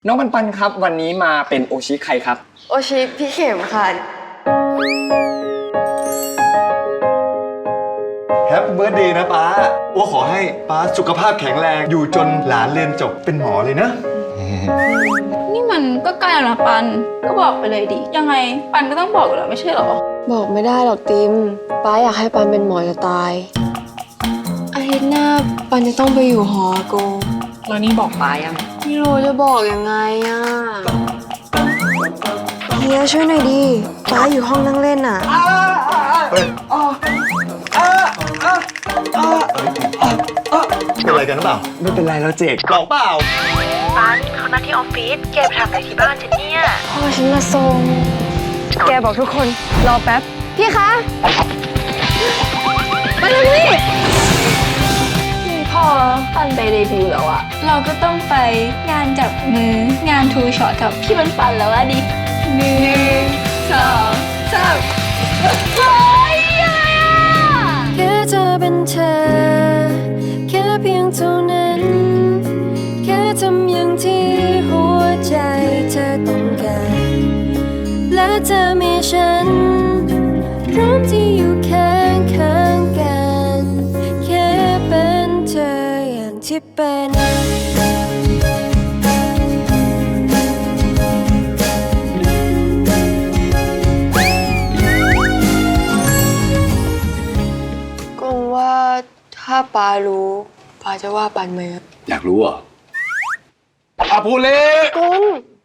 น้องปันปันครับวันนี้มาเป็นโอชิใครครับโอชิพี่เข็มค่ะแฮปปี้เบิร์ธเดย์นะป้าว่าขอให้ป้าสุขภาพแข็งแรงอยู่จนหลานเรียนจบเป็นหมอเลยนะนี่มันก็ใกล้แล้วนะปันก็บอกไปเลยดิยังไงปันก็ต้องบอกอยู่แล้วไม่ใช่หรอบอกไม่ได้หรอกติมป้าอยากให้ปันเป็นหมอจะตายอาทิตย์หน้าปันจะต้องไปอยู่หอโกแล้วนี่บอกป้ายังไม่รู้จะบอกยังไงอ่ะเฮียช่วยหน่อยดิป้าอยู่ห้องนั่งเล่นอ่ะเป็นอะไรกันหรือเปล่าไม่เป็นไรแล้วเจกหลอกเปล่าปันเขานัดที่ออฟฟิศแกไปทำอะไรที่บ้านฉันเนี่ยพ่อฉันมาส่งแกบอกทุกคนรอแป๊บพี่คะมาเลยพี่พอปันไปเดบิวต์แล้วอะเราก็ต้องไปงานจับมืองานทูช็อตกับพี่ปันปันแล้วอะดิ1 2 3โอ้ยอะไรอะแค่เธอเป็นเธอแค่เพียงเท่านั้นแค่ทำอย่างที่หัวใจเธอต้องการและเธอมีฉันพร้อมที่อยู่ข้างกันแค่เป็นเธออย่างที่เป็นกงว่าถ้าป้ารู้ป้าจะว่าปันไหมอยากรู้เหรออาภูเล่กง